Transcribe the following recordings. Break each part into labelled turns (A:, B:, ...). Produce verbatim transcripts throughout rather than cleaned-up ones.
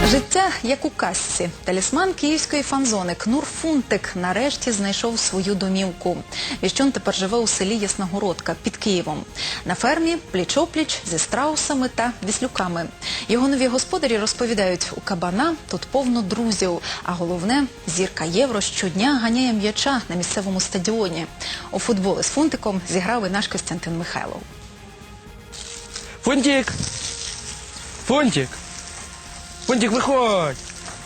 A: Життя як у казці. Талісман київської фан-зони Кнур Фунтик нарешті знайшов свою домівку. Віщун тепер живе у селі Ясногородка під Києвом. На фермі пліч-опліч зі страусами та віслюками. Його нові господарі розповідають, у кабана тут повно друзів, а головне – зірка Євро щодня ганяє м'яча на місцевому стадіоні. У футбол із Фунтиком зіграв і наш Костянтин Михайлов.
B: Фунтик! Фунтик! Фунтик, виходь!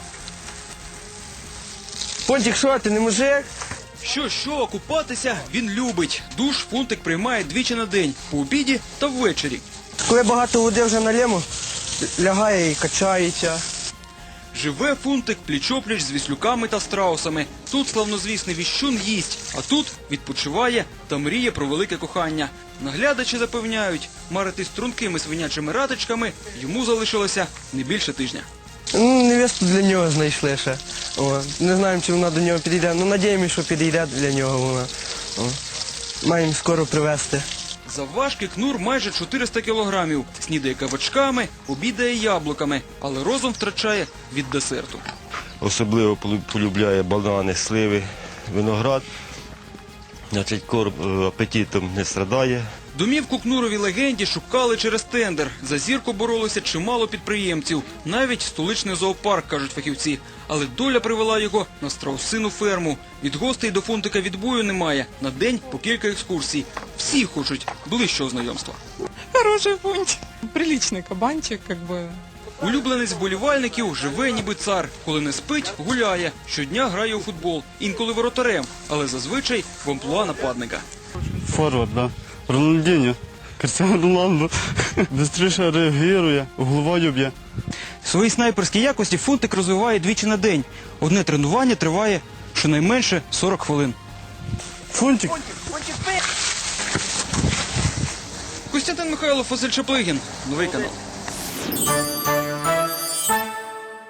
B: Фунтик, що, ти не мужик?
C: Що-що, купатися він любить. Душ Фунтик приймає двічі на день – по обіді та ввечері.
B: Коли багато води вже налємо, лягає і качається.
C: Живе Фунтик пліч-опліч з віслюками та страусами. Тут славнозвісний віщун їсть, а тут відпочиває та мріє про велике кохання. Наглядачі запевняють, марити стрункими свинячими ратичками йому залишилося не більше тижня.
B: Ну, невесту для нього знайшли ще. О, не знаємо, чи вона до нього підійде. Ну, надіємося, що підійде для нього вона. О, маємо скоро привезти.
C: Завважки Кнур майже чотириста кілограмів. Снідає кабачками, обідає яблуками, але розум втрачає від десерту.
D: Особливо полюбляє банани, сливи, виноград. Значить, корм апетитом не страдає.
C: Домівку Кнуровій легенді шукали через тендер. За зірку боролося чимало підприємців. Навіть столичний зоопарк, кажуть фахівці. Але доля привела його на страусину ферму. Від гостей до Фунтика відбою немає. На день по кілька екскурсій. Всі хочуть ближчого знайомства.
E: Хороший Фунтик. Приличный кабанчик, как бы.
C: Улюбленець вболівальників живе ніби цар. Коли не спить, гуляє. Щодня грає у футбол. Інколи воротарем. Але зазвичай в амплуа нападника.
F: Форвард, да. Рональдіньо. Кристиано Роналдо. Бистріше реагує, головою б'є.
C: Свої снайперські якості Фунтик розвиває двічі на день. Одне тренування триває щонайменше сорок хвилин.
F: Фунтик.
C: Костянтин Михайлов, Василь Чаплигін. Новий канал.